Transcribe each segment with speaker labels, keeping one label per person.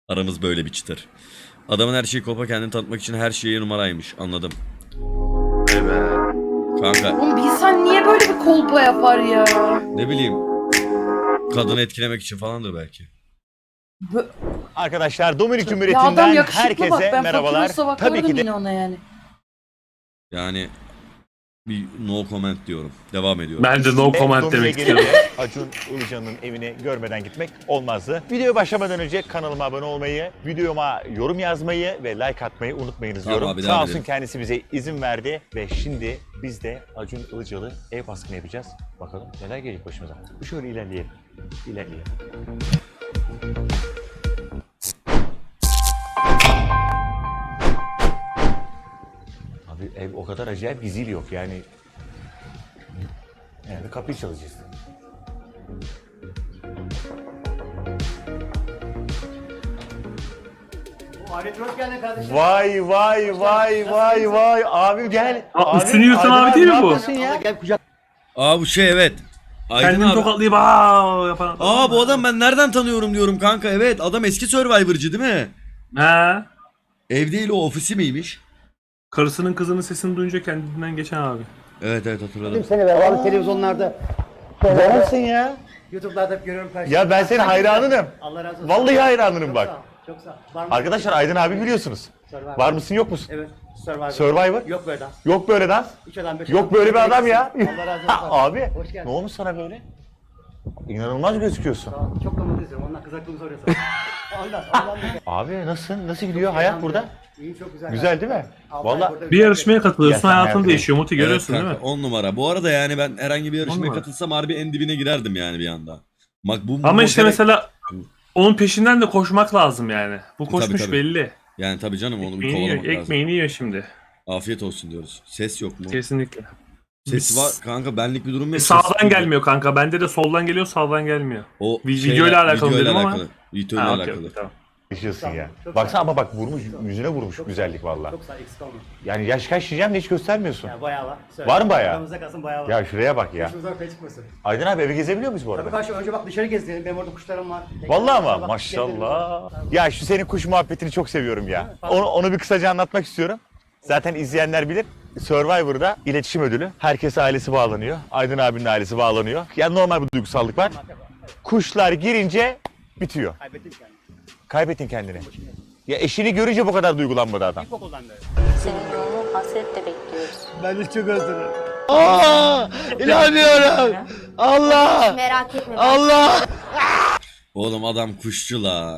Speaker 1: Aramız böyle bir çıtır. Adamın her şeyi kopa, kendini tanıtmak için her şeye numaraymış. Anladım.
Speaker 2: Evet.
Speaker 1: Kanka
Speaker 3: Oğlum bir insan niye böyle bir kolpa yapar ya?
Speaker 1: ne bileyim. Kadını etkilemek için falandır belki.
Speaker 4: Arkadaşlar Dominik
Speaker 3: Ya
Speaker 4: Cumhuriyeti'nden
Speaker 3: adam yakışıklı
Speaker 4: herkese
Speaker 3: bak, ben
Speaker 4: merhabalar.
Speaker 3: Faturos'a
Speaker 4: Tabii
Speaker 3: bakardım
Speaker 4: ki de
Speaker 3: yine ona yani.
Speaker 1: Yani bir no comment diyorum. Devam ediyorum.
Speaker 2: Ben de no comment
Speaker 4: Dominik'e
Speaker 2: demek
Speaker 4: gelince
Speaker 2: istiyorum.
Speaker 4: Acun Ilıcalı'nın evine görmeden gitmek olmazdı. Videoya başlamadan önce kanalıma abone olmayı, videoma yorum yazmayı ve like atmayı unutmayınız
Speaker 1: Tamam
Speaker 4: diyorum.
Speaker 1: abi,
Speaker 4: Sağ
Speaker 1: devam
Speaker 4: olsun
Speaker 1: edelim.
Speaker 4: kendisi bize izin verdi ve şimdi biz de Acun Ilıcalı ev baskını yapacağız. Bakalım neler gelecek başımıza. Şöyle ilerleyelim. İlerleyelim. Abi ev o kadar acayip bir zil yok yani. Yani kapıyı çalacağız. Vay vay vay vay vay abi gel.
Speaker 2: Aa, üstünü yırtan abi değil mi bu?
Speaker 1: Aa bu şey evet. Aydın
Speaker 2: Kendini
Speaker 1: abi.
Speaker 2: tokatlayıp aaa yapan adam.
Speaker 1: Aa bu adam ben nereden tanıyorum diyorum kanka. Evet adam eski Survivor'cı değil mi?
Speaker 2: He.
Speaker 1: Ev değil o, ofisi miymiş?
Speaker 2: Karısının kızının sesini duyunca kendinden geçen abi.
Speaker 1: Evet evet hatırladım.
Speaker 5: Seni be abi televizyonlarda,
Speaker 4: Varsın ya.
Speaker 5: YouTube'larda hep görüyorum karşımda.
Speaker 4: Ya ben senin hayranınım.
Speaker 5: Allah razı olsun.
Speaker 4: Vallahi hayranınım bak.
Speaker 5: Çok sağ ol. Var mı?
Speaker 4: Arkadaşlar Aydın abi biliyorsunuz.
Speaker 5: Survivor.
Speaker 4: Var mısın yok musun?
Speaker 5: Evet. Survivor.
Speaker 4: Survivor?
Speaker 5: Yok böyle dans.
Speaker 4: Yok böyle dans.
Speaker 5: Üç adam beş
Speaker 4: Yok
Speaker 5: adam.
Speaker 4: böyle bir adam ya.
Speaker 5: Allah razı olsun.
Speaker 4: Abi
Speaker 5: Hoş geldin.
Speaker 4: ne olmuş sana böyle? İnanılmaz gözüküyorsun.
Speaker 5: Sağ ol. Çok da mutlu izliyorum. Ondan kızaklığımı soruyorsun. ondan.
Speaker 4: Abi nasıl gidiyor hayat burada?
Speaker 5: İyi çok güzel.
Speaker 4: Güzel değil mi?
Speaker 5: Altı ay
Speaker 4: Vallahi
Speaker 5: burada
Speaker 2: Bir yarışmaya katılıyorsun,
Speaker 4: Ya sen
Speaker 2: hayatın
Speaker 4: hayatını-
Speaker 2: değişiyor. Muti görüyorsun
Speaker 1: Evet
Speaker 2: değil mi?
Speaker 1: kanka, 10 numara. Bu arada yani ben herhangi bir yarışmaya
Speaker 2: numara.
Speaker 1: katılsam harbi en dibine girerdim yani bir anda. Bak bu
Speaker 2: Ama işte
Speaker 1: modele-
Speaker 2: mesela onun peşinden de koşmak lazım yani. Bu koşmuş
Speaker 1: tabii.
Speaker 2: belli.
Speaker 1: Yani tabii canım onu bir
Speaker 2: Ekmeğini yiyor,
Speaker 1: kovalamak lazım.
Speaker 2: ekmeğini yiyor şimdi.
Speaker 1: Afiyet olsun diyoruz. Ses yok mu?
Speaker 2: Kesinlikle.
Speaker 1: Ses var kanka, benlik bir durum yok. Ses
Speaker 2: Sağdan
Speaker 1: yok.
Speaker 2: gelmiyor kanka. Bende de soldan geliyor, sağdan gelmiyor.
Speaker 1: O
Speaker 2: Videoyla alakalı dedim ama.
Speaker 1: Videoyla
Speaker 2: Ha, okey,
Speaker 1: alakalı.
Speaker 2: okey, tamam.
Speaker 4: yaşıyorsun ya.
Speaker 5: Çok
Speaker 4: Baksana ama bak vurmuş yüzüne vurmuş güzellik valla.
Speaker 5: Çok sağ ol. Eksik olma.
Speaker 4: Yani yaş kaç diyeceğim de hiç göstermiyorsun.
Speaker 5: Ya bayağı var. Söyle.
Speaker 4: Var mı bayağı?
Speaker 5: Aramızda kalsın bayağı var.
Speaker 4: Ya şuraya bak ya.
Speaker 5: Başımıza ortaya çıkmasın.
Speaker 4: Aydın abi evi gezebiliyor muyuz bu
Speaker 5: Tabii
Speaker 4: arada?
Speaker 5: karşı önce bak dışarı gezdirelim. Benim orada kuşlarım var.
Speaker 4: Vallahi ama
Speaker 5: Bak,
Speaker 4: maşallah. Ya şu senin kuş muhabbetini çok seviyorum ya. Onu bir kısaca anlatmak istiyorum. Zaten izleyenler bilir. Survivor'da iletişim ödülü. Herkes ailesi bağlanıyor. Aydın abinin ailesi bağlanıyor. Yani normal bir duygusallık var. Kuşlar girince bitiyor.
Speaker 5: Kaybettim kendimi.
Speaker 4: Kaybettin kendini. Ya eşini görünce bu kadar duygulanmadı adam.
Speaker 5: İlkokuldan beri.
Speaker 6: Senin yolunu hasretle bekliyoruz.
Speaker 5: Ben de çok özledim.
Speaker 4: İnanmıyorum. Allah!
Speaker 6: Merak etme.
Speaker 4: Allah!
Speaker 1: Oğlum adam kuşçu la.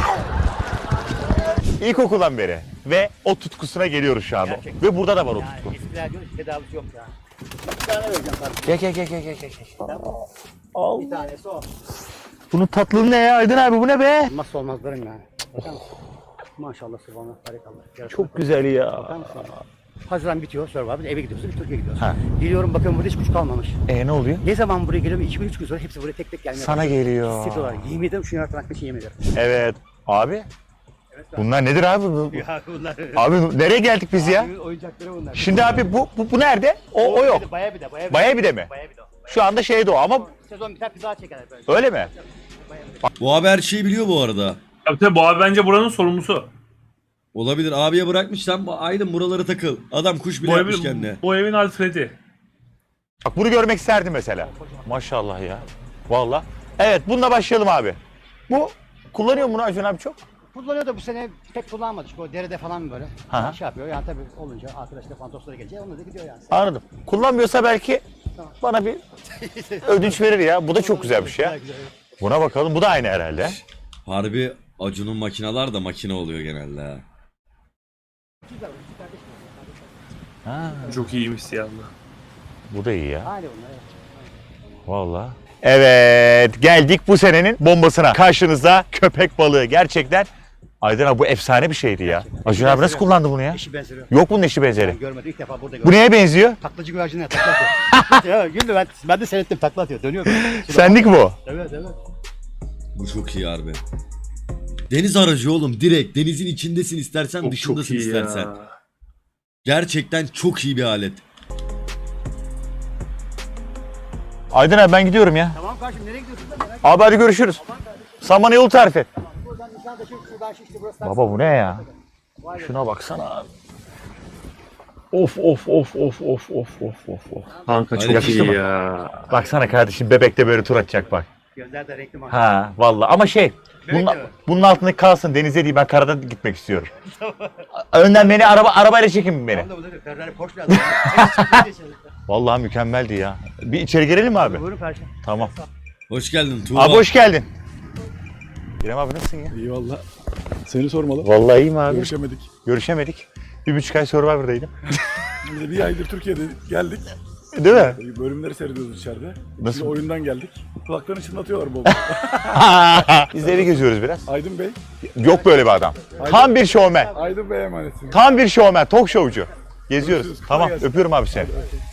Speaker 4: İlkokuldan beri. Ve o tutkusuna geliyoruz şu anda.
Speaker 5: Gerçekten.
Speaker 4: Ve burada da var o
Speaker 5: Yani
Speaker 4: tutku.
Speaker 5: eskiler diyor ki tedavisi yok ya. Bir tane vereceğim kardeşim.
Speaker 4: Gel.
Speaker 5: Bir tanesi o.
Speaker 4: Bunun tatlılığı ne ya Aydın abi bu ne be?
Speaker 5: Olmazsa olmazlarım yani. Bakar mısın? Maşallah subhanallah barikallah.
Speaker 4: Çok güzel ya.
Speaker 5: Bakar mısın? Haziran bitiyor Survivor eve gidiyorsun Türkiye'ye gidiyorsun.
Speaker 4: Ha.
Speaker 5: Geliyorum bakın burada hiç kuş kalmamış.
Speaker 4: Ne oluyor?
Speaker 5: Ne zaman buraya geliyorum 2-3 gün sonra hepsi buraya tek tek gelmeye
Speaker 4: Sana
Speaker 5: başlıyor.
Speaker 4: geliyor.
Speaker 5: Hissediyorlar. Yemin ederim şu yaratmak için yemin ederim.
Speaker 4: Evet. Abi bunlar nedir abi?
Speaker 5: Ya bunlar.
Speaker 4: Abi nereye geldik biz ya?
Speaker 5: Abimin oyuncakları bunlar.
Speaker 4: Şimdi abi bu nerede? O yok.
Speaker 5: Baya bir de.
Speaker 4: Baya bir de mi?
Speaker 5: Baya bir de o.
Speaker 4: Şu anda şeyde o ama
Speaker 5: Sezon biter bir daha çekerler böyle.
Speaker 4: öyle mi?
Speaker 1: Bu abi her şeyi biliyor bu arada.
Speaker 2: Tabii bu abi bence buranın sorumlusu.
Speaker 1: Olabilir, abiye bırakmış sen Aydın buralara takıl. Adam kuş bile
Speaker 2: Bu
Speaker 1: yapmış
Speaker 2: evin,
Speaker 1: kendine.
Speaker 2: bu evin Alfred'i.
Speaker 4: Bak bunu görmek isterdim mesela. Maşallah ya. Vallahi. Evet bununla başlayalım abi. Bu kullanıyor mu bunu Acun abi çok?
Speaker 5: Kullanıyor da bu sene pek kullanmadı çünkü o derede falan böyle.
Speaker 4: Ha.
Speaker 5: Şey yapıyor yani tabii olunca arkadaşlar fantoslara gelecek onunla da gidiyor yani.
Speaker 4: Anladım. Kullanmıyorsa belki bana bir ödünç verir ya. Bu da çok güzelmiş ya. Buna bakalım. Bu da aynı herhalde.
Speaker 1: Harbi Acun'un makinalar da makine oluyor genelde ha.
Speaker 2: Çok iyiymiş siyahlı.
Speaker 4: Bu da iyi ya.
Speaker 5: Aynı bunlar evet.
Speaker 4: Vallahi. Evet geldik bu senenin bombasına. Karşınızda köpek balığı gerçekten. Aydın abi bu efsane bir şeydi ya. Acun abi nasıl kullandı bunu ya?
Speaker 5: Eşi benzeri.
Speaker 4: Yok bunun eşi
Speaker 5: Ben
Speaker 4: benzeri.
Speaker 5: görmedim ilk defa burada
Speaker 4: Bu
Speaker 5: gördüm.
Speaker 4: neye benziyor?
Speaker 5: Taklacı güvercinler takla atıyor. Ya güldü ben de seyrettim takla atıyor dönüyor.
Speaker 4: Sendik bu.
Speaker 5: Evet.
Speaker 1: Bu çok iyi harbi. Deniz aracı oğlum, direkt denizin içindesin istersen
Speaker 2: Çok
Speaker 1: dışındasın
Speaker 2: iyi
Speaker 1: istersen.
Speaker 2: ya.
Speaker 1: Gerçekten çok iyi bir alet.
Speaker 4: Aydın abi ben gidiyorum ya.
Speaker 5: Tamam kardeşim nereye gidiyorsun da merak
Speaker 4: Abi hadi görüşürüz. Sen bana yolu tarif et.
Speaker 5: Buradan Sen de şuradan şişti burası.
Speaker 4: Baba bu ne ya? Şuna baksana abi. Of of of of of of of of of.
Speaker 2: Kanka
Speaker 1: Hadi
Speaker 2: çok
Speaker 4: yakıştı
Speaker 2: iyi
Speaker 4: mı?
Speaker 2: ya.
Speaker 4: Baksana kardeşim bebekte böyle tur atacak bak.
Speaker 5: Gözler de renkli
Speaker 4: Ha vallahi ama bunun altındaki kalsın denize değil ben karada gitmek istiyorum. Önden beni arabayla çekin beni.
Speaker 5: Ferrari Porsche lazım.
Speaker 4: Vallahi mükemmeldi ya. Bir içeri girelim mi abi?
Speaker 5: Buyurun Perşem.
Speaker 4: Tamam.
Speaker 1: Hoş geldin Tuğba.
Speaker 4: Abi hoş geldin. İrem abi nasılsın ya?
Speaker 7: İyi valla. Seni sormalı.
Speaker 4: Vallahi iyiyim abi.
Speaker 7: Görüşemedik.
Speaker 4: Görüşemedik. 1,5 ay Survivor'daydım.
Speaker 7: Biz de bir aydır Türkiye'de geldik.
Speaker 4: Değil mi?
Speaker 7: Bölümleri seyrediyoruz içeride.
Speaker 4: Nasıl?
Speaker 7: Şimdi oyundan geldik. Kulaklarını çınlatıyorlar bol.
Speaker 4: Biz de evi geziyoruz biraz.
Speaker 7: Aydın Bey.
Speaker 4: Yok böyle bir adam. Tam bir şovmen.
Speaker 7: Aydın Bey'e emanetsin.
Speaker 4: Tam bir şovmen. Talk showcu. Geziyoruz.
Speaker 7: Görüşürüz.
Speaker 4: Tamam.
Speaker 7: Kolay gelsin.
Speaker 4: Öpüyorum abi seni.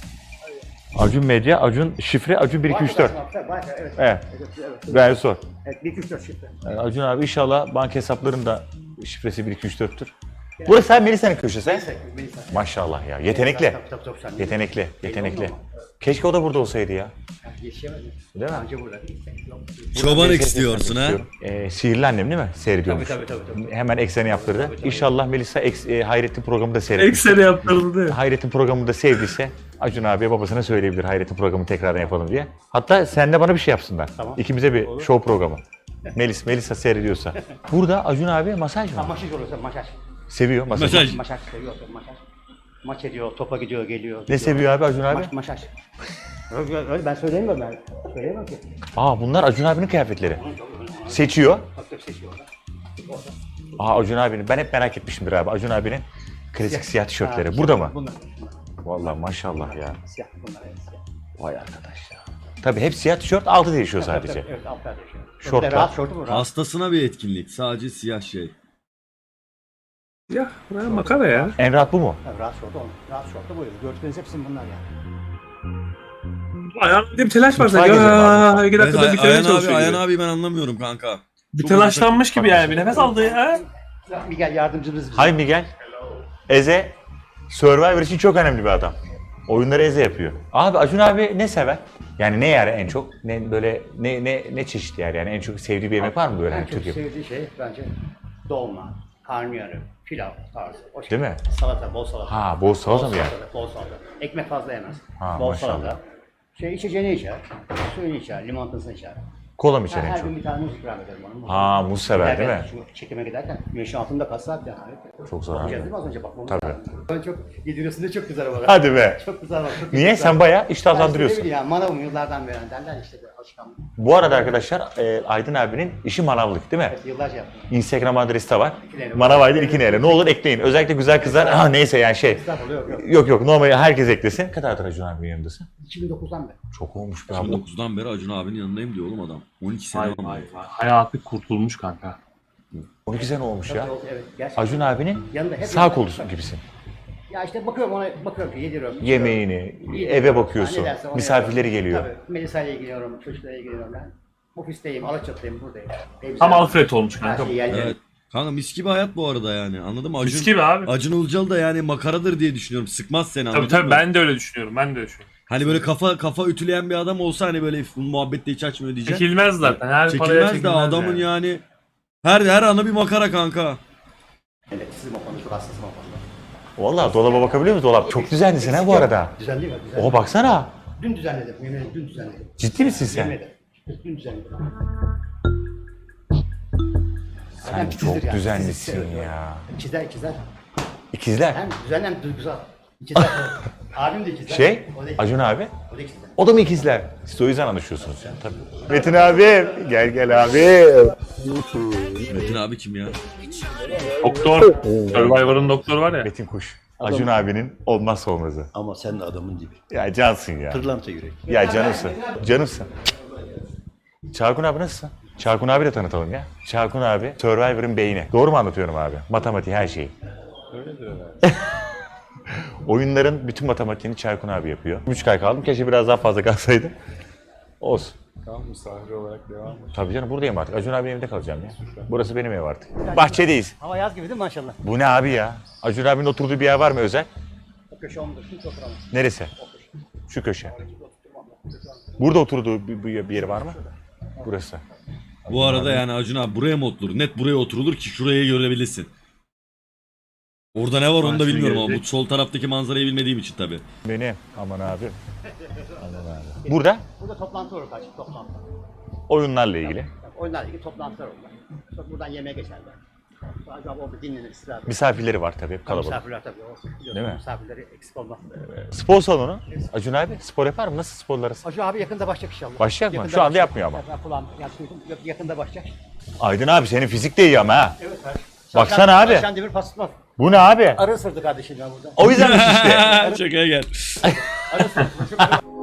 Speaker 4: Acun Medya, Acun şifre, Acun 1234.
Speaker 5: Evet.
Speaker 4: Evet. Ben sor.
Speaker 5: Evet 1 2 3 4 şifre.
Speaker 4: Acun abi inşallah banka hesaplarının da şifresi 1234'tür. Burası abi Melisa'nın köşesi. Maşallah ya. Yetenekli.
Speaker 5: Tabii.
Speaker 4: Yetenekli. Yetenekli. Keşke o da burada olsaydı ya.
Speaker 5: Yetişemedim.
Speaker 4: Değil mi?
Speaker 5: Anca burada.
Speaker 1: Çobanlık istiyorsun ha?
Speaker 4: Sihirli Annem değil mi? Seyrediyormuş.
Speaker 5: Tabii.
Speaker 4: Hemen ekseni yaptırdı. İnşallah Melisa Hayrettin programı da seyretmiş.
Speaker 2: Ekseri yaptırıldı.
Speaker 4: Hayrettin programını da sevdiyse Acun abiye babasına söyleyebilir Hayrettin programı tekrardan yapalım diye. Hatta sen de bana bir şey yapsınlar.
Speaker 5: Tamam.
Speaker 4: İkimize bir show programı. Melisa seyrediyorsa. Burada Acun abi masaj mı?
Speaker 5: Maçaj olursa maçaj.
Speaker 4: Seviyor masaj.
Speaker 1: Masaj.
Speaker 5: Maçaj seviyor maçaj. Maç ediyor, topa gidiyor, geliyor.
Speaker 4: Ne seviyor abi Acun abi?
Speaker 5: Maçaj. Öyle ben söyleyemiyorum ben. Söyleyemem ki.
Speaker 4: Bunlar Acun abinin kıyafetleri. Seçiyor.
Speaker 5: Bak seçiyor.
Speaker 4: Acun abinin. Ben hep merak etmişimdir abi. Acun abinin klasik siyah tişörtleri. Burada mı?
Speaker 5: Bunlar.
Speaker 4: Vallahi maşallah ya.
Speaker 5: Siyah bunlar evet siyah.
Speaker 4: Vay arkadaş ya. Tabii hep siyah tişört altı değişiyor sadece.
Speaker 5: Evet altlar değişiyor.
Speaker 4: Şortlar.
Speaker 5: Rahat şortu bu rahat.
Speaker 1: Hastasına bir etkinlik. Sadece siyah şey.
Speaker 2: Ya buraya makara ya.
Speaker 4: En rahat bu mu?
Speaker 5: Tabii, rahat şortu olur. Rahat şortu buyur. Gördükleriniz hepsinin bunlar yani.
Speaker 2: Ayağımda bir telaş var
Speaker 4: Mutfağa
Speaker 2: sanki.
Speaker 4: gezelim abi.
Speaker 2: 2 dakikada
Speaker 1: Evet,
Speaker 2: bitirmeye
Speaker 1: Ayhan abi,
Speaker 2: çalışıyor
Speaker 1: Ayhan
Speaker 2: gibi.
Speaker 1: abi ben anlamıyorum kanka.
Speaker 2: Bir telaşlanmış gibi yani. Bir nefes aldı ya.
Speaker 5: Miguel yardımcımız bizim.
Speaker 4: Hay Miguel. Eze Survivor için çok önemli bir adam. Oyunları Eze yapıyor. Abi Acun abi ne sever? Yani ne yer en çok? Ne böyle ne çeşit yer yani en çok sevdiği bir yemek var mı böyle
Speaker 5: En
Speaker 4: hani
Speaker 5: çok
Speaker 4: Türkiye?
Speaker 5: sevdiği şey bence dolma, karnıyarık, pilav tarzı. O şey.
Speaker 4: Değil mi?
Speaker 5: Salata, bol salata.
Speaker 4: Bol salata mı yani?
Speaker 5: Bol salata. Ekmek fazla yemez.
Speaker 4: Ha,
Speaker 5: Bol
Speaker 4: maşallah.
Speaker 5: salata. İçeceğini içer, suyunu içer, limonatasını içer.
Speaker 4: Kola mı içer en
Speaker 5: Her
Speaker 4: çok?
Speaker 5: gün bir tane muz ikram ederim ona.
Speaker 4: Muz sever değil mi?
Speaker 5: Şu çekime giderken güneşin altında kaç saat yani.
Speaker 4: Çok zararlı.
Speaker 5: Bakacağız değil mi az önce bakmamız
Speaker 4: Tabii.
Speaker 5: lazım. Ben çok yediriyorsun çok güzel ama.
Speaker 4: Hadi be.
Speaker 5: Çok güzel bak. Çok
Speaker 4: Niye?
Speaker 5: güzel.
Speaker 4: Sen bayağı
Speaker 5: Ben işte
Speaker 4: iştahlandırıyorsun.
Speaker 5: ne bileyim ya manavım yıllardan beri derler işte bir alışkanlık.
Speaker 4: Bu arada arkadaşlar Aydın abinin işi manavlık değil mi?
Speaker 5: Evet, yıllarca yaptım.
Speaker 4: Instagram adresi de var.
Speaker 5: İkineyle.
Speaker 4: Manav Aydın 2 Ne olur ekleyin. Özellikle güzel kızlar. Neyse yani şey.
Speaker 5: Estağfurullah yok.
Speaker 4: Yok normal herkes eklesin. Ne kadardır Acun abinin yanındasın?
Speaker 5: 2009'dan beri.
Speaker 4: Çok olmuş be abi.
Speaker 1: 2009'dan beri Acun abinin yanındayım diyor oğlum adam. 12 sene
Speaker 2: Vay
Speaker 1: oldu.
Speaker 2: vay vay. Hayatı kurtulmuş kanka.
Speaker 4: 12 sene olmuş ya.
Speaker 5: Evet gerçekten.
Speaker 4: Acun abinin
Speaker 5: Yanında hep
Speaker 4: sağ kolu gibisin.
Speaker 5: Ya işte bakıyorum ona bakıyorum ki yediriyorum.
Speaker 4: Yemeğini,
Speaker 5: içiyorum.
Speaker 4: eve bakıyorsun.
Speaker 5: Ne derse onu
Speaker 4: Misafirleri
Speaker 5: yapıyorum.
Speaker 4: geliyor.
Speaker 5: Tabii. Melisa ile ilgileniyorum, çocuklarla ilgileniyorum ben. Ofisteyim, Alaçatı'dayım, buradayım.
Speaker 2: Tam Alfred olmuş
Speaker 5: Her
Speaker 2: kanka.
Speaker 5: şey yerleri.
Speaker 1: Evet. Kanka mis gibi hayat bu arada yani. Anladın mı? Acun,
Speaker 2: Mis gibi abi.
Speaker 1: Acun Ilıcalı da yani makaradır diye düşünüyorum. Sıkmaz seni anladın
Speaker 2: Tabii
Speaker 1: mı?
Speaker 2: ben de öyle düşünüyorum.
Speaker 1: Hani böyle kafa ütüleyen bir adam olsa hani böyle bu muhabbette hiç açmıyor diyeceğim.
Speaker 2: Çekilmez zaten. Her paraya
Speaker 1: Çekilmez de adamın yani. Her ana bir makara kanka.
Speaker 5: Evet, sizin o konuda çok hassasım o konuda.
Speaker 4: Vallahi dolaba bakabiliyor musun? Dolap çok düzenlisin ha bu arada.
Speaker 5: Düzenli mi? Düzenli.
Speaker 4: Oha baksana.
Speaker 5: Dün düzenledim, yemin ederim dün düzenledim.
Speaker 4: Ciddi misin sen?
Speaker 5: Yemin ederim. Dün düzenledim.
Speaker 4: Sen
Speaker 5: Hem titizdir
Speaker 4: çok
Speaker 5: yani,
Speaker 4: düzenlisin
Speaker 5: titiz, evet.
Speaker 4: ya.
Speaker 5: İkizler.
Speaker 4: İkizler.
Speaker 5: Hem düzenli hem duygusal. İkizler. Abim de ikizler.
Speaker 4: Şey,
Speaker 5: O da ikizler.
Speaker 4: Acun abi.
Speaker 5: O da ikizler.
Speaker 4: O da mı ikizler? Siz o yüzden anlaşıyorsunuz. Tabii. Metin abi. Gel abi.
Speaker 1: Metin abi kim ya?
Speaker 2: Doktor. Survivor'ın doktoru var ya.
Speaker 4: Metin Kuş. Acun abinin olmazsa olmazı.
Speaker 8: Ama sen de adamın dibi.
Speaker 4: Ya cansın ya.
Speaker 8: Pırlanta yürek.
Speaker 4: Ya canımsın. Canımsın. Çarkun abi nasılsın? Çarkun abi de tanıtalım ya. Çarkun abi Survivor'ın beyni. Doğru mu anlatıyorum abi? Matematiği her şeyi. Öyledir herhalde. Oyunların bütün matematiğini Çarkun abi yapıyor. 3 ay kaldım. Keşke biraz daha fazla kalsaydım. Olsun.
Speaker 7: Tamam misafir olarak devam et.
Speaker 4: Tabii canım buradayım artık. Acun abinin evinde kalacağım ya. Burası benim ev artık. Bahçedeyiz.
Speaker 5: Hava yaz gibi değil mi maşallah?
Speaker 4: Bu ne abi ya? Acun abinin oturduğu bir yer var mı özel?
Speaker 5: O köşe ondur. Hiç oturamaz.
Speaker 4: Neresi? Şu köşe. Burada oturduğu bir yeri var mı? Burası.
Speaker 1: Bu arada yani Acun abi buraya mı oturulur? Net buraya oturulur ki şuraya görebilirsin. Orada ne var onu da
Speaker 2: Maçını
Speaker 1: bilmiyorum ama bu
Speaker 2: görecek.
Speaker 1: sol taraftaki manzarayı bilmediğim için tabii.
Speaker 4: Benim. Aman abi. Aman abi. Burada
Speaker 5: Burada toplantı olur karşı toplantı.
Speaker 4: oyunlarla ilgili.
Speaker 5: Oyunlarla ilgili toplantılar olur. Sonra buradan yemeğe geçerler. Sonra acaba orada dinlenir, istirahat.
Speaker 4: Misafirleri var tabii hep kalabalık.
Speaker 5: Misafirler tabii. O, biliyorsun,
Speaker 4: Değil mi?
Speaker 5: Misafirleri eksik olmaz.
Speaker 4: Spor salonu. Acun abi spor yapar mı? Nasıl sporlar arası?
Speaker 5: Acı abi yakında başlayacak inşallah.
Speaker 4: Başlayacak mı?
Speaker 5: Yakında
Speaker 4: Şu anda
Speaker 5: başlayacak.
Speaker 4: yapmıyor ama.
Speaker 5: Ben kulağım duydum. Yakında başlayacak.
Speaker 4: Aydın abi senin fizik de iyi ama ha.
Speaker 5: Evet kardeşim.
Speaker 4: Baksana abi.
Speaker 5: Şen Demir pasıtmaz.
Speaker 4: Bu ne abi?
Speaker 5: Arı ısırdı kardeşim ya burada.
Speaker 4: O yüzden mi şişti?
Speaker 1: Şakaya gel.
Speaker 5: Arı ısırdı.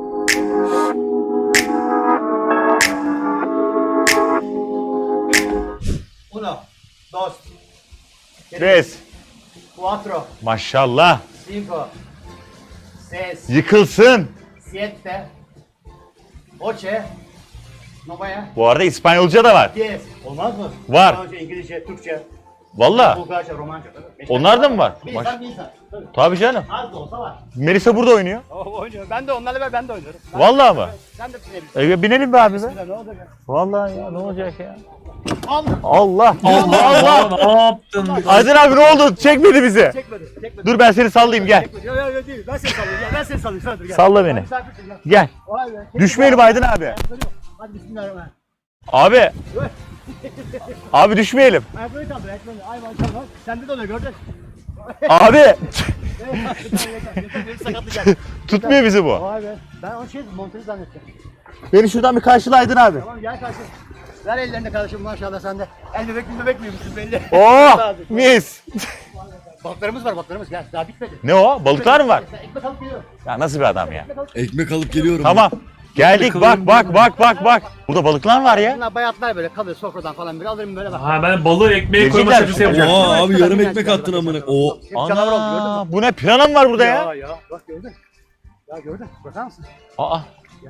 Speaker 5: Uno, dos,
Speaker 4: Res.
Speaker 5: cuatro,
Speaker 4: Maşallah.
Speaker 5: cinco, seis,
Speaker 4: Yıkılsın.
Speaker 5: siete, ocho, nueve,
Speaker 4: Bu arada İspanyolca da var.
Speaker 5: diez. Olmaz mı?
Speaker 4: Var.
Speaker 5: Daha önce İngilizce, Türkçe,
Speaker 4: Valla.
Speaker 5: Bulgarca, Romanca. Tabii. Beş
Speaker 4: Onlar
Speaker 5: tane
Speaker 4: da mı var?
Speaker 5: Bir insan bir insan. Tabii.
Speaker 4: Tabii canım.
Speaker 5: Az da olsa var.
Speaker 4: Melisa burada oynuyor.
Speaker 5: O oynuyor. Ben de onlarla ben de oynuyorum. Ben
Speaker 4: Vallahi mı?
Speaker 5: Sen de binebilirsin.
Speaker 4: Binelim be abi be.
Speaker 5: Ne olacak ya?
Speaker 4: Vallahi ya ne olacak ya?
Speaker 5: Allah!
Speaker 4: Allah. Allah Allah.
Speaker 2: Ne yaptın?
Speaker 4: Aydın abi ne oldu? Çekmedi bizi.
Speaker 5: Çekmedi, çekmedi.
Speaker 4: Dur ben seni sallayayım gel.
Speaker 5: Yok yok yok değil. Ben seni sallayayım. Gel, ben seni sallayayım. Sana dur gel.
Speaker 4: Salla beni.
Speaker 5: Misafirsin gel.
Speaker 4: Gel.
Speaker 5: Vay be.
Speaker 4: Düşmeyelim Aydın abi.
Speaker 5: Ayakları yok. Hadi bismillahirrahmanirrahim.
Speaker 4: Abi. Abi düşmeyelim.
Speaker 5: Ayakları kaldır. Ayakları. Ay maşallah. Sende de oluyor gördün.
Speaker 4: Abi.
Speaker 5: Yeter, sakatlık geldi.
Speaker 4: Tutmuyor bizi bu.
Speaker 5: Vay be. Ben o şey montajı zannettim.
Speaker 4: Beni şuradan bir karşıla Aydın abi.
Speaker 5: Tamam gel kardeşim. Ver ellerini kardeşim maşallah sende. El bebek miymmişsin belli.
Speaker 4: Oh mis.
Speaker 5: Balıklarımız var balıklarımız gel. Daha bitmedi.
Speaker 4: Ne o? Balıklar mı var?
Speaker 5: Sen ekmek alıp geliyor.
Speaker 4: Ya nasıl bir adam ya?
Speaker 1: Ekmek alıp geliyorum.
Speaker 4: Tamam. Geldik bak bak bak bak bak. Burada balıklar var ya.
Speaker 5: Bunlar bayatlar böyle kalıyor sofradan falan böyle alırım böyle bak.
Speaker 2: Ha ben balığı ekmeğe koyma
Speaker 4: Gelecekler.
Speaker 2: şakası yapacağım.
Speaker 1: Oha abi yarım ekmek attın amına. O
Speaker 5: Hep canavar oldu gördün mü?
Speaker 4: Ana bu ne? Pirana mı var burada ya?
Speaker 5: Ya bak gördün. Ya gördün. Bakar mısın?
Speaker 4: Aa.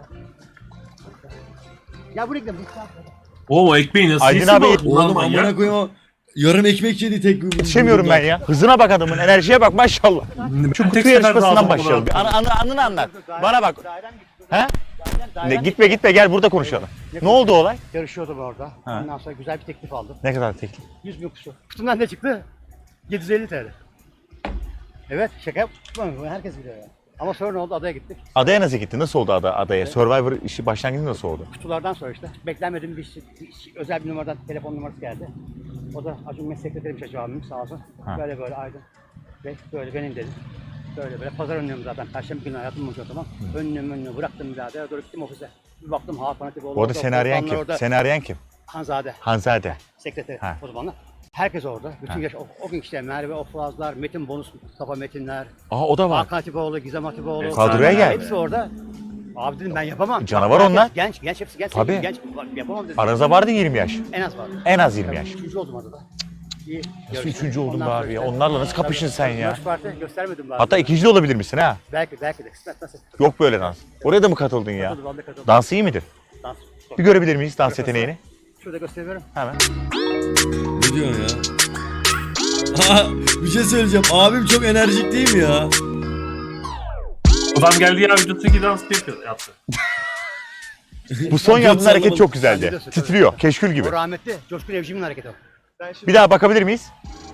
Speaker 5: Ya buraya gidelim.
Speaker 2: Oğlum o ekmeği nasıl
Speaker 4: Aydın
Speaker 2: yesin
Speaker 4: abi,
Speaker 2: balık? Bunlar
Speaker 1: oğlum
Speaker 2: manyak.
Speaker 1: amına koyayım o yarım ekmek yedi tek bir.
Speaker 4: Yetişemiyorum ben ya. Hızına bak adamın. Enerjiye bak maşallah. Şu
Speaker 2: Tek
Speaker 4: kutu
Speaker 2: sefer
Speaker 4: yarışmasından
Speaker 2: lazım
Speaker 4: başlayalım. Bir
Speaker 2: buna.
Speaker 4: anını anlat. Bana bak.
Speaker 5: Dairem gitti.
Speaker 4: He?
Speaker 5: Dairem
Speaker 4: Ne, gitme gel burada konuşalım. Ne oldu olay?
Speaker 5: Yarışıyordum orada.
Speaker 4: Ha.
Speaker 5: Ondan sonra güzel bir teklif aldım.
Speaker 4: Ne kadar teklif?
Speaker 5: 100 bin kuşu. Kutumdan ne çıktı? 750 TL. Evet şaka yapmıyorum. Herkes biliyor ya. Ama sonra ne oldu? Adaya gittik.
Speaker 4: Adaya nasıl gitti? Nasıl oldu adaya? Survivor işi başlangıcı nasıl oldu?
Speaker 5: Kutulardan sonra işte beklenmediğim özel bir numaradan telefon numarası geldi. O da Acun Mesut sekreterim Şacı abim sağ olsun.
Speaker 4: Ha.
Speaker 5: Böyle böyle Aydın. Ve böyle benim dedim. Böyle böyle pazar önlüğüm zaten. Perşembe günü hayatım boyunca o zaman. Önlüğümü bıraktım birader. Doğru gittim ofise. Bir baktım Hakan Atipoğlu.
Speaker 4: Bu arada
Speaker 5: orada,
Speaker 4: seni arayan
Speaker 5: Volkanlar
Speaker 4: kim?
Speaker 5: orada.
Speaker 4: Seni arayan kim?
Speaker 5: Hanzade.
Speaker 4: Hanzade.
Speaker 5: Sekreteri
Speaker 4: Ha.
Speaker 5: o zamanlar. Herkes orada. Bütün
Speaker 4: Ha.
Speaker 5: yaş o gün işte Merve Oflazlar, Metin Bonus, Mustafa Metinler,
Speaker 4: Aa o da var.
Speaker 5: Hakan Atipoğlu, Gizem Atipoğlu.
Speaker 4: Kadroya gel.
Speaker 5: Hepsi orada. Abi dedim ben yapamam.
Speaker 4: Canavar
Speaker 5: Herkes
Speaker 4: onlar.
Speaker 5: Genç hepsi genç.
Speaker 4: Tabii.
Speaker 5: Genç yapamam dedim.
Speaker 4: Aranızda vardı 20 yaş.
Speaker 5: En az vardı.
Speaker 4: En az 20 yaş.
Speaker 5: Üçüncü oldum adada. İyi.
Speaker 4: Nasıl
Speaker 5: yarıştım.
Speaker 4: üçüncü oldun
Speaker 5: Ondan
Speaker 4: be
Speaker 5: sonra
Speaker 4: abi ya?
Speaker 5: işte-
Speaker 4: Onlarla nasıl kapışın sen ya?
Speaker 5: Yarış parti göstermedim bari.
Speaker 4: Hatta ikinci de olabilir misin ha?
Speaker 5: Belki de kısmet nasıl?
Speaker 4: Yok böyle dans. Oraya da mı katıldın ya?
Speaker 5: Katıldım, ben de katıldım.
Speaker 4: Dans iyi midir?
Speaker 5: Dans.
Speaker 4: Bir görebilir miyiz dans yeteneğini?
Speaker 5: Şurada gösteriyorum.
Speaker 4: Hemen.
Speaker 1: Ne diyorsun ya? Bir şey söyleyeceğim. Abim çok enerjik değil mi ya?
Speaker 2: Adam geldi ya videodaki dans yaptı.
Speaker 4: Bu son yaptığın
Speaker 1: Yok,
Speaker 4: hareket çok
Speaker 5: Ben
Speaker 4: güzeldi.
Speaker 5: biliyorsun,
Speaker 4: Titriyor. Keşkül gibi.
Speaker 5: O rahmetli Coşkun Evcim'in hareketi o.
Speaker 4: Bir daha bakabilir miyiz?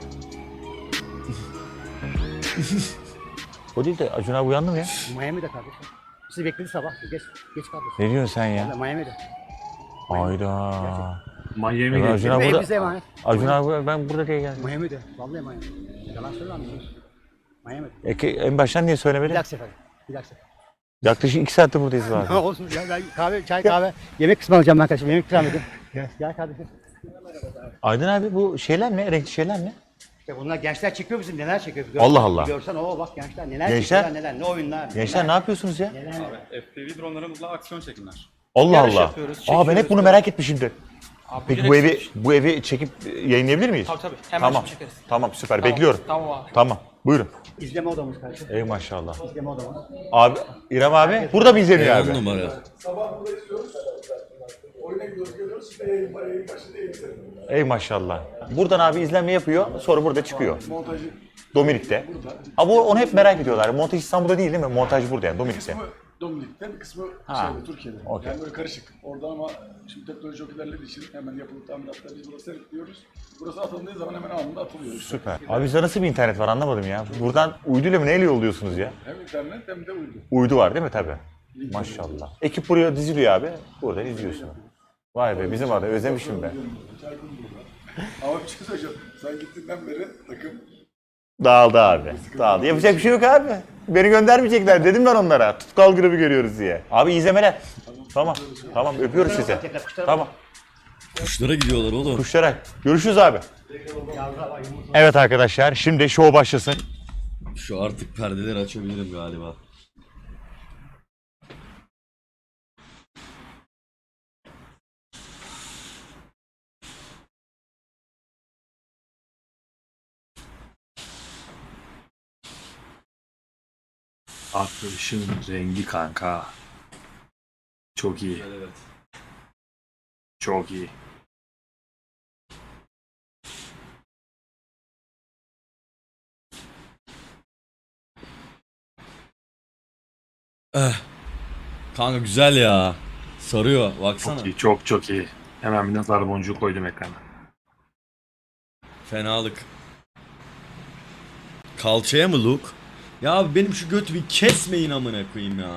Speaker 4: O değil de Acun abi uyandı mı ya?
Speaker 5: Miami'de kardeşim. Sizi bekledi sabah. Geç kaldı.
Speaker 4: Ne diyorsun sen ya?
Speaker 5: Miami'de.
Speaker 4: Ayda.
Speaker 2: Miami'ye
Speaker 4: Ya
Speaker 2: geldi.
Speaker 4: Acun abi
Speaker 5: Ev
Speaker 4: burada.
Speaker 5: bize emanet.
Speaker 4: Acun abi ben burada diye geldim.
Speaker 5: Miami'de. Vallahi Miami. Yalan söylemem. Miami'de.
Speaker 4: En baştan niye
Speaker 5: Bir
Speaker 4: söylemedin?
Speaker 5: dahaki sefer. Bir dahaki sefer.
Speaker 4: Yaklaşık 2 saattir buradayız abi.
Speaker 5: Ha, olsun ya ben kahve, çay kahve. Yemek kısmı alacağım ben kardeşim. Yemek ikram edin. Gel kardeşim.
Speaker 4: Aydın abi bu şeyler ne? Renkli şeyler ne?
Speaker 5: İşte bunlar gençler çekiyor bizim neler çekiyor.
Speaker 4: Allah Allah.
Speaker 5: Görsen o bak gençler neler
Speaker 4: Gençler?
Speaker 5: çekiyorlar neler ne oyunlar.
Speaker 4: Gençler ne yapıyorsunuz ya?
Speaker 8: FPV dronlarımızla aksiyon çekimler.
Speaker 4: Allah
Speaker 8: Yarış
Speaker 4: Allah.
Speaker 8: yapıyoruz,
Speaker 4: Aa ben hep
Speaker 8: çekiyoruz.
Speaker 4: bunu merak etmişimdir.
Speaker 8: Abi,
Speaker 4: Peki
Speaker 8: direkt
Speaker 4: bu evi çekip yayınlayabilir miyiz?
Speaker 8: Tabii. Hemen
Speaker 4: Tamam.
Speaker 8: çekeriz.
Speaker 4: Tamam süper.
Speaker 8: Tamam,
Speaker 4: Bekliyorum.
Speaker 8: Tamam abi.
Speaker 4: Tamam. Buyurun.
Speaker 5: İzleme odamız kardeşim.
Speaker 4: Ey maşallah.
Speaker 5: İzleme odamız.
Speaker 4: Abi İrem abi burada mı izleniyor
Speaker 1: 10
Speaker 4: abi?
Speaker 1: numara.
Speaker 7: Sabah burada istiyoruz. Oyuna gidiyoruz, geliyoruz. Şimdi yayın var, yayın başladı, yayın senin.
Speaker 4: Ey maşallah. Buradan abi izlenme yapıyor. Sonra burada çıkıyor.
Speaker 7: Montajı
Speaker 4: Dominik'te. Abi onu hep merak ediyorlar. Montaj İstanbul'da değil mi? Montaj burada yani Dominik'te.
Speaker 7: Dominik'te, bir kısmı
Speaker 4: Ha.
Speaker 7: Türkiye'de.
Speaker 4: Okey.
Speaker 7: Yani böyle karışık. Orada ama şimdi teknoloji çok ilerlediği için hemen yapılıp tamiratlar biz burada seyretliyoruz. Burası atıldığı zaman hemen anında atılıyor.
Speaker 4: Süper. Abi bizde nasıl bir internet var anlamadım ya. Buradan uyduyla mı neyle yolluyorsunuz ya?
Speaker 7: Hem internet hem de uydu.
Speaker 4: Uydu var değil mi tabii? Maşallah. Ekip buraya diziliyor abi. Buradan izliyorsun. Vay be bizim adam özlemişim ben.
Speaker 7: Çaykun burada. Ama bir şey söyleyeceğim. Sen gittiğinden beri takım
Speaker 4: Dağıldı abi. Dağıldı. Yapacak bir şey yok abi. Beni göndermeyecekler dedim ben onlara. Tutkal grubu görüyoruz diye. Abi iyi izlemeler. Tamam. Tamam öpüyoruz sizi. Tamam.
Speaker 1: Kuşlara gidiyorlar oğlum.
Speaker 4: Kuşlara. Görüşürüz abi. Evet arkadaşlar şimdi show başlasın.
Speaker 1: Şu artık perdeleri açabilirim galiba.
Speaker 2: Arkadaşın rengi kanka. Çok iyi.
Speaker 1: Evet.
Speaker 2: Çok iyi.
Speaker 1: Kanka güzel ya. Sarıyor baksana.
Speaker 2: Çok iyi. Çok çok iyi. Hemen bir nazar boncuğu koydum ekrana.
Speaker 1: Fenalık. Kalçaya mı look? Ya abi benim şu götü bir kesmeyin amına koyayım ya.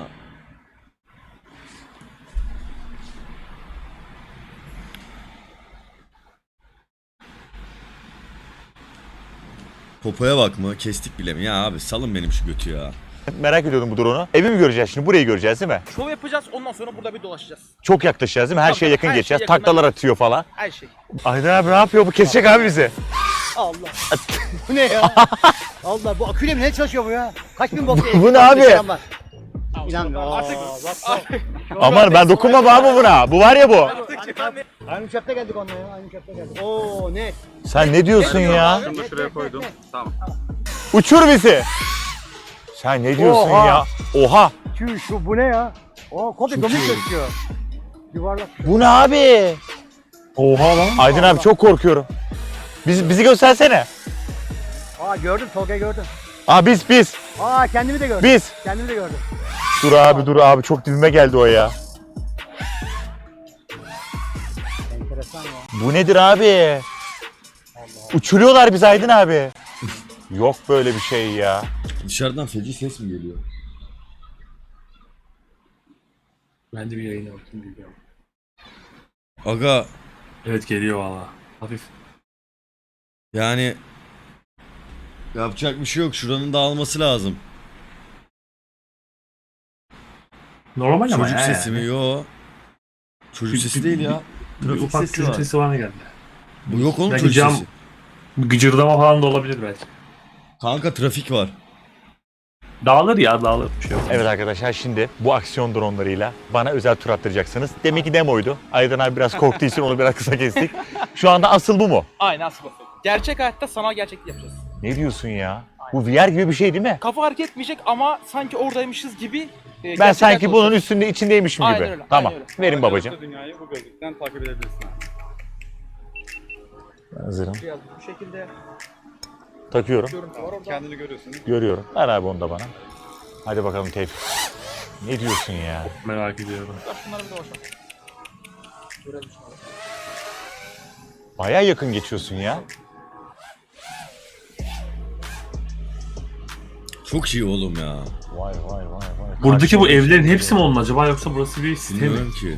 Speaker 1: Popoya bak mı? Kestik bile mi? Ya abi salın benim şu götü ya.
Speaker 4: Merak ediyordum bu drone'u. Evi mi göreceğiz şimdi? Burayı göreceğiz değil mi?
Speaker 9: Şov yapacağız, ondan sonra burada bir dolaşacağız.
Speaker 4: Çok yaklaşacağız değil mi? Her
Speaker 9: Tabii,
Speaker 4: şeye yakın
Speaker 9: her şeye
Speaker 4: geçeceğiz.
Speaker 9: yakın.
Speaker 4: Taklalar atıyor falan.
Speaker 9: Her şey.
Speaker 4: Aydın abi ne yapıyor? Bu kesecek abi bizi.
Speaker 5: Allah. Bu ne ya? Allah bu aküyle mi ne çalışıyor bu ya? Kaç bin volt?
Speaker 4: Bu ne abi?
Speaker 5: İnanmıyorum.
Speaker 9: Artık
Speaker 4: Aman ben dokunmam abi buna. Bu var ya bu.
Speaker 5: Aynı uçakta geldik onunla ya. Aynı uçakta geldik. Oo ne?
Speaker 4: Sen ne diyorsun ya?
Speaker 8: Şunu da şuraya koydum. Tamam.
Speaker 4: Uçur bizi. Sen ne diyorsun
Speaker 5: Oha.
Speaker 4: ya? Oha.
Speaker 5: Şu bu ne ya? Oo komple domuz gözüküyor. Yuvarlak.
Speaker 4: Bu ne abi?
Speaker 2: Oha lan.
Speaker 4: Aydın abi çok korkuyorum. Bizi göstersene.
Speaker 5: Aa gördüm Tolga'yı gördüm.
Speaker 4: Aa biz.
Speaker 5: Aa kendimi de gördüm.
Speaker 4: Biz.
Speaker 5: Kendimi de gördüm.
Speaker 4: Dur abi çok dibime geldi o ya.
Speaker 5: Enteresan ya.
Speaker 4: Bu nedir abi? Uçuruyorlar bizi Aydın abi. Yok böyle bir şey ya.
Speaker 1: Dışarıdan feci ses mi geliyor?
Speaker 2: Ben de bir yayına bakayım biliyorum.
Speaker 1: Aga
Speaker 2: Evet geliyor valla. Hafif.
Speaker 1: yani yapacak bir şey yok. Şuranın dağılması lazım.
Speaker 2: Normal ama
Speaker 1: Çocuk
Speaker 2: ya
Speaker 1: sesi mi?
Speaker 2: yani.
Speaker 1: Yo. Çocuk sesi değil ya.
Speaker 2: Bir
Speaker 1: Trafik
Speaker 2: ufak
Speaker 1: sesi
Speaker 2: çocuk
Speaker 1: var.
Speaker 2: sesi bana geldi.
Speaker 1: Bu yok oğlum
Speaker 2: Belki
Speaker 1: çocuk
Speaker 2: cam-
Speaker 1: sesi.
Speaker 2: Gıcırdama falan da olabilir belki.
Speaker 1: Kanka trafik var.
Speaker 2: Dağılır ya dağılır. Bir şey yok.
Speaker 4: Evet arkadaşlar şimdi bu aksiyon dronlarıyla bana özel tur attıracaksınız. Demek ki demoydu. Aydın abi biraz korktuğu için onu biraz kısa kestik. Şu anda asıl bu mu?
Speaker 9: aynen asıl bakın. Gerçek hayatta sanal gerçeklik yapacağız.
Speaker 4: Ne diyorsun ya? Bu VR gibi bir şey değil mi?
Speaker 9: Kafa hareket etmeyecek ama sanki oradaymışız gibi.
Speaker 4: Ben
Speaker 9: gerçek
Speaker 4: sanki
Speaker 9: hayatta
Speaker 4: bunun
Speaker 9: olacağız.
Speaker 4: üstünde içindeymişim gibi.
Speaker 9: Aynen öyle,
Speaker 4: Tamam.
Speaker 9: aynen
Speaker 4: Verin babacığım.
Speaker 8: Dünyayı bu gözlükten takip edebilirsin abi.
Speaker 4: Ben hazırım.
Speaker 9: Bu şekilde
Speaker 4: Takıyorum.
Speaker 9: görüntü var orada.
Speaker 8: Kendini görüyorsun.
Speaker 4: Görüyorum. Ver abi onu da bana. Hadi bakalım Tevfik. Ne diyorsun ya?
Speaker 2: Merak ediyorum.
Speaker 9: Şunlara bir dolaşalım. Görelim şunları.
Speaker 4: Baya yakın geçiyorsun ya.
Speaker 1: Çok iyi oğlum ya.
Speaker 4: Vay.
Speaker 2: Buradaki bu
Speaker 4: Karşıya
Speaker 2: evlerin
Speaker 4: geçiyor.
Speaker 2: hepsi mi onun acaba yoksa burası bir site mi?
Speaker 1: Bilmiyorum ki.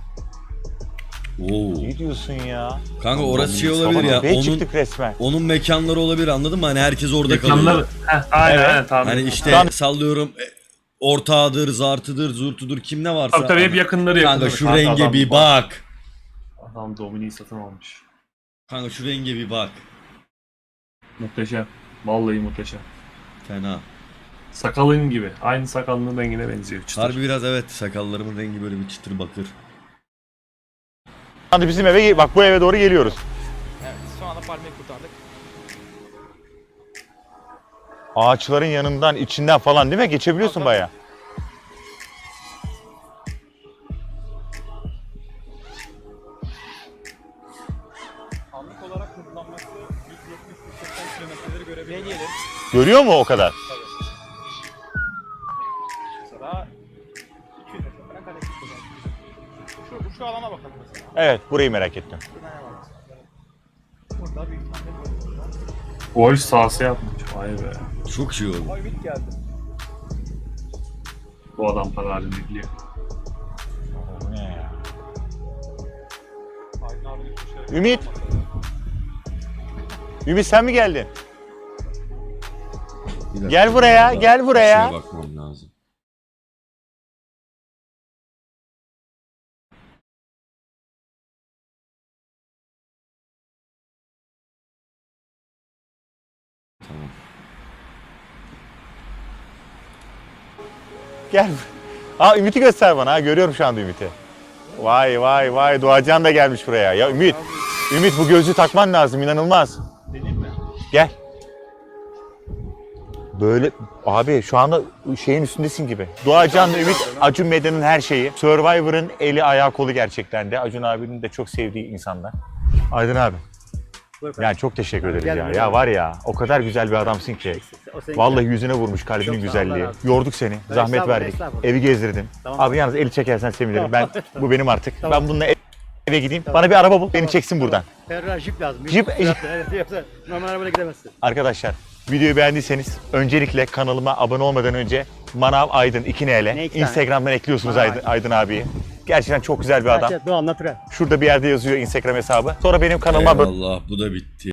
Speaker 1: Oo.
Speaker 4: Ne diyorsun ya?
Speaker 1: Kanka orası şey olabilir ya.
Speaker 4: Be
Speaker 1: Onun
Speaker 4: çıktık resmen.
Speaker 1: mekanları olabilir anladın mı? Hani herkes orada kalıyor.
Speaker 2: Mekanlar... Aynen
Speaker 4: Evet.
Speaker 2: aynen tamam.
Speaker 1: Hani işte
Speaker 4: Tamam.
Speaker 1: sallıyorum ortağıdır, zartıdır, zurtudur kim ne varsa.
Speaker 2: Tabii tabii hep yakınları
Speaker 1: Kanka
Speaker 2: yakınları.
Speaker 1: şu renge bir bak.
Speaker 2: Adam Dominik'i satın almış.
Speaker 1: Kanka şu renge bir bak.
Speaker 2: Muhteşem. Vallahi muhteşem.
Speaker 1: Fena.
Speaker 2: Sakalın gibi. Aynı sakalının rengine benziyor. Çıtır.
Speaker 1: Harbi biraz evet sakallarımın rengi böyle bir çıtır bakır.
Speaker 4: Hadi bizim eve bak bu eve doğru geliyoruz.
Speaker 9: Evet şu anda palmiyeyi kurtardık.
Speaker 4: Ağaçların yanından, içinden falan değil mi? Geçebiliyorsun baya.
Speaker 8: Anlık olarak hızlanması 170-180 kilometreleri görebiliyor.
Speaker 9: Ne diyelim?
Speaker 4: Görüyor mu o kadar?
Speaker 9: Mesela
Speaker 4: Evet, burayı merak ettim.
Speaker 8: Burada büyük ihtimalle böyle.
Speaker 2: Golf sahası yapmış. Vay be.
Speaker 1: Çok iyi oğlum.
Speaker 8: Ay Ümit geldi.
Speaker 2: Bu adam para halini biliyor.
Speaker 4: Bu ne ya?
Speaker 8: Aydın abinin kuşları.
Speaker 4: Ümit. Ümit sen mi geldin?
Speaker 1: Bir dakika,
Speaker 4: Gel buraya,
Speaker 1: bir
Speaker 4: gel buraya.
Speaker 1: şeye bakmam lazım. Tamam.
Speaker 4: Gel. Aa Ümit'i göster bana. Ha, görüyorum şu anda Ümit'i. Vay vay vay. Doğacan da gelmiş buraya. Ya Ümit. Ümit bu gözlüğü takman lazım. İnanılmaz.
Speaker 8: Deneyim mi?
Speaker 4: Gel. Böyle abi şu anda şeyin üstündesin gibi. Doğacan'la Ümit, Acun Medya'nın her şeyi. Survivor'ın eli ayağı kolu gerçekten de. Acun abinin de çok sevdiği insanlar. Aydın abi.
Speaker 5: Buyur
Speaker 4: Yani çok teşekkür ederiz
Speaker 5: Gel
Speaker 4: ya.
Speaker 5: buraya.
Speaker 4: Ya var ya o kadar güzel bir adamsın ki.
Speaker 5: O senin
Speaker 4: Vallahi yüzüne vurmuş kalbinin
Speaker 5: Çok sağ ol,
Speaker 4: güzelliği.
Speaker 5: Allah razı olsun.
Speaker 4: Yorduk seni. Zahmet
Speaker 5: Estağfurullah,
Speaker 4: verdik.
Speaker 5: estağfurullah.
Speaker 4: Evi gezdirdim.
Speaker 5: Tamam.
Speaker 4: Abi yalnız eli çekersen sevinirim.
Speaker 5: Tamam.
Speaker 4: Bu benim artık.
Speaker 5: Tamam.
Speaker 4: Ben bununla eve gideyim. Bana bir araba bul. Beni çeksin buradan.
Speaker 5: Ferrari Jeep lazım.
Speaker 4: Jeep-
Speaker 5: Evet, yoksa normal arabayla gidemezsin.
Speaker 4: Arkadaşlar videoyu beğendiyseniz öncelikle kanalıma abone olmadan önce Manav Aydın 2N'le
Speaker 5: Ne iki tane?
Speaker 4: Instagram'dan ekliyorsunuz
Speaker 5: Manav
Speaker 4: Aydın abiyi. Gerçekten çok güzel bir adam.
Speaker 5: Doğan Natural.
Speaker 4: Şurada bir yerde yazıyor Instagram hesabı. Sonra benim kanalıma abone
Speaker 1: Eyvallah bu da bitti.